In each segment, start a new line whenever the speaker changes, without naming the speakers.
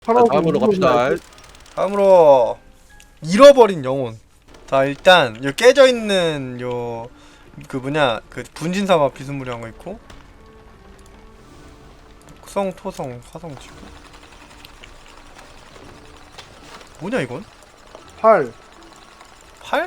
다음으로 갑시다.
다음으로 잃어버린 영혼. 자 일단 요 깨져있는 요 그 뭐냐 그 분진사마 비스무리한 거 있고 국성 토성 화성 지구 뭐냐 이건?
8.
8?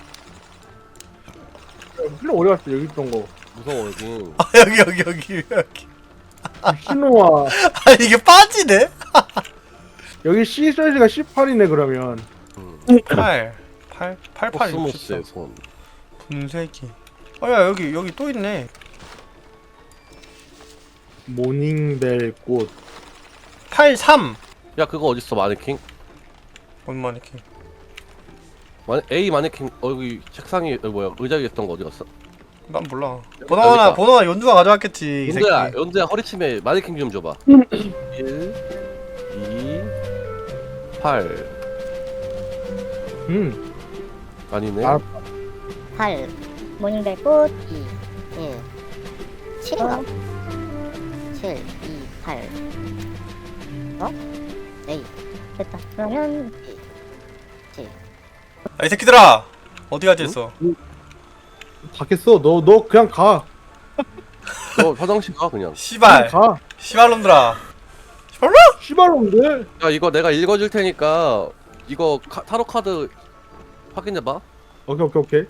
필름 어디 갔어? 여기 있던 거.
아
무서워
여기
신호와
아 이게 빠지네?
여기 C 사이즈가 18이네 그러면.
8 88
코스모스의 손.
분쇄기 아야 여기 또 있네.
모닝벨 꽃.
83
야 그거 어딨어 마네킹?
얼마나 이렇게
A 마네킹 여기 책상에 뭐야 의자에 있던 거 어디 갔어?
난 몰라.
여기다.
보너나 연두가 가져왔겠지 이 새끼.
연두야 허리춤에 마네킹 좀 줘봐. 1 2 8 아니네.
아.
8 모닝벨 꽃 2 1 7인가? 7 2 8 어? 에이 됐다. 그러면 7
아, 이 새끼들아 어디 가지 했어?
닫겠어. 너 그냥 가.
너 화장실 가 그냥.
씨발
가.
씨발놈들아 씨발로?
씨발놈들.
야 이거 내가 읽어줄 테니까 이거 타로 카드 확인해봐.
오케이.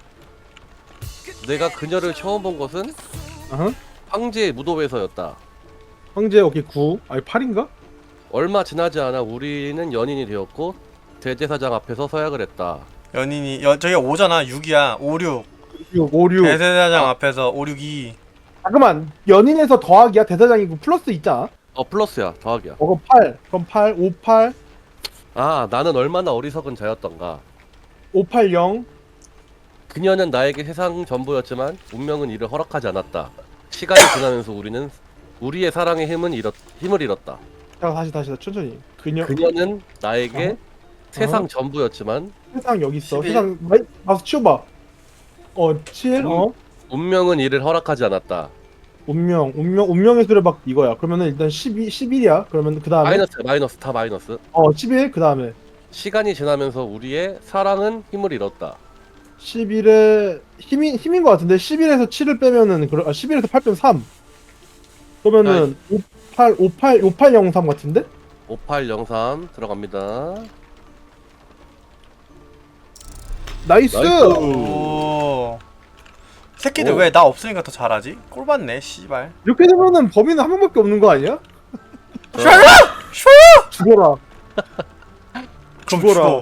내가 그녀를 처음 본 것은
아하.
황제의 무도회에서였다.
황제 오케이 9. 아니 8인가?
얼마 지나지 않아 우리는 연인이 되었고 대제사장 앞에서 서약을 했다.
연인이 저기가 5잖아 6이야 5 6
6 5 6.
대세사장 앞에서 5 6 2
잠깐만. 연인에서 더하기야. 대사장이고 플러스 있잖아.
플러스야 더하기야.
그럼 8. 그럼 8 5 8
아 나는 얼마나 어리석은 자였던가.
5 8 0.
그녀는 나에게 세상 전부였지만 운명은 이를 허락하지 않았다. 시간이 지나면서 우리는 우리의 사랑의 힘을 잃었다.
자 다시 천천히.
그녀는 나에게 세상 전부였지만
세상 여기 있어.
11.
세상 가서 치워봐. 7.
운명은 이를 허락하지 않았다.
운명의 수레박 이거야. 그러면은 일단 11이야. 그러면 그 다음에
마이너스 다 마이너스.
11. 그 다음에
시간이 지나면서 우리의 사랑은 힘을 잃었다.
11에 힘인 것 같은데 11에서 7을 빼면은 11에서 8 빼면 3. 그러면은 5803 같은데?
5803 들어갑니다.
나이스.
오 새끼들
오.
왜 나 없으니까 더 잘하지? 꼴받네 씨발.
이렇게 되면은 범인은 한 명밖에 없는 거 아니야? 죽어라.
그럼
죽어라.
죽어.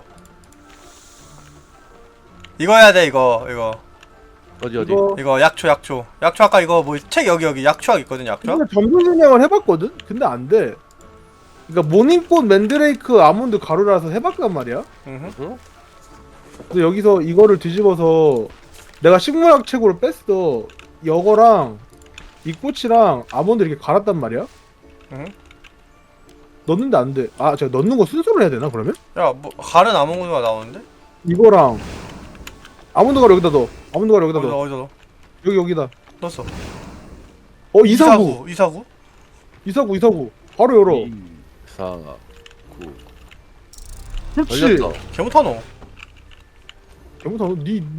이거 해야 돼 이거
어디
이거 약초 아까 이거 뭐 책 여기 약초학 있거든 약초.
근데 점수 진행을 해봤거든? 근데 안 돼. 그러니까 모닝꽃 맨드레이크 아몬드 가루라서 해봤단 말이야.
응?
근데 여기서 이거를 뒤집어서 내가 식물학 책으로 뺐어. 이거랑 이 꽃이랑 아몬드 이렇게 갈았단 말이야.
응?
넣는데 안 돼. 아, 제가 넣는 거 순서로 해야 되나 그러면?
야뭐 가른 아몬드가 나오는데?
이거랑 아몬드 가루 여기다 넣어. 아몬드 가루 여기다 넣어.
어디서 넣어?
여기다.
넣었어.
이사구. 이사구. 바로 열어.
2 4 9
그렇지.
열렸다.
개못하노.
잘못하고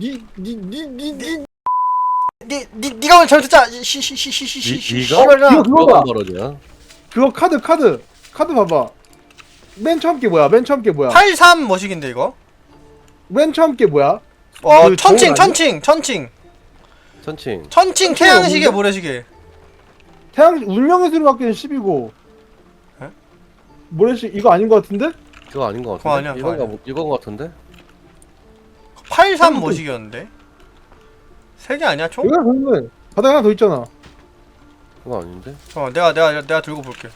니가 오늘 잘못했잖아. 시시시시시시.
네가?
이거 그거다.
뭐가 벌어지냐?
그거 카드 봐봐. 맨 처음 게 뭐야?
83 머시기인데 이거?
맨 처음 게 뭐야? 그
천칭
저울 아니야?
천칭
태양시계 모래시계.
태양 운명의 수로 바뀌는 10이고.
에?
모래시 이거 아닌 것 같은데?
그거 아닌 것 같은데?
그거 아니야, 그거 아니야.
이건 것 같은데?
83 머시기였는데? 3개 아니야 총?
여기가 그러면 바닥에 하나 더 있잖아.
그거 아닌데?
내가 들고 볼게.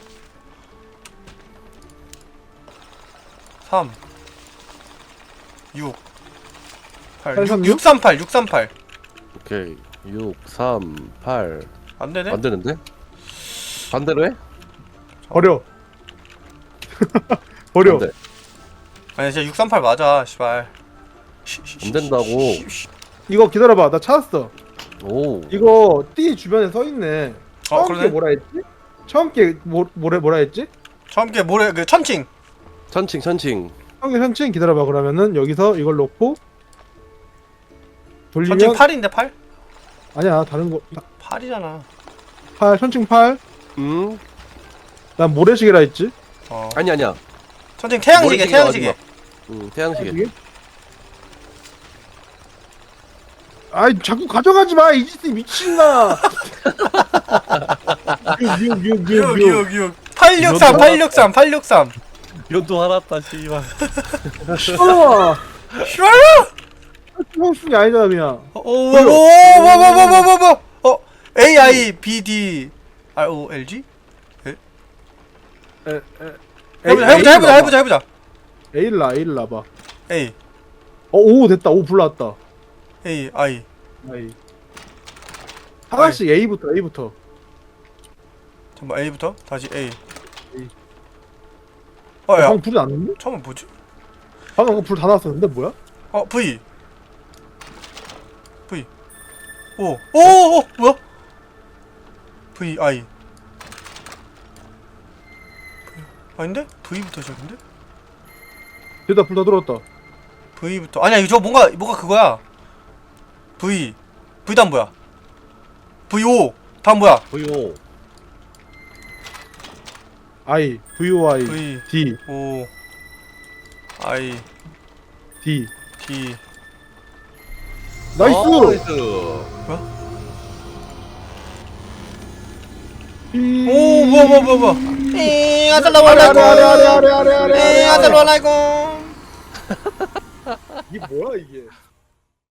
3 6 8
836?
638
오케이 6 3 8
안되네?
안 되는데? 반대로 해?
버려.
안 돼.
아니 진짜 638 맞아 씨발.
안 된다고.
이거 기다려봐. 나 찾았어.
오
이거 띠 주변에 서 있네. 처음 게
그러네?
뭐라 했지? 처음 게 뭐라 했지?
함께 모래 그 천칭.
천칭 천칭.
한개 현칭 기다려봐. 그러면은 여기서 이걸 놓고 돌리면
천칭 8인데 8?
아니야 다른 거
8이잖아.
8 현칭 8. 난 모래시계라 했지.
어.
아니야.
천칭 태양시계
모래시계가
태양시계.
태양시계.
아이 자꾸 가져가지 마 이지스 미친나. 6
6 863 863 863.
연도 화났다 씨발.
싫어.
싫어요?
형순이 아니잖아 그냥.
오오오오오오오오 A I B D R O L G? 해보자.
A를 놔봐.
A
오 됐다. 오 불났다.
A I
아이. 하나씩 A부터.
잠깐 A부터 다시 A.
A.
어야
방금 불이 났는데?
처음에 뭐지?
방금 불 다 났었는데 뭐야?
V V 오 뭐야? V I 아닌데? V부터 시작인데?
됐다 불 다 들어왔다.
V부터 아니야 이거 뭔가 그거야. V 다음 뭐야? VO 다음 뭐야?
보요.
I VOI
V
D
O I
D
D
나이스.
오 뭐야 아살라말라이쿰 아살라말라이쿰
이게 뭐야 이게?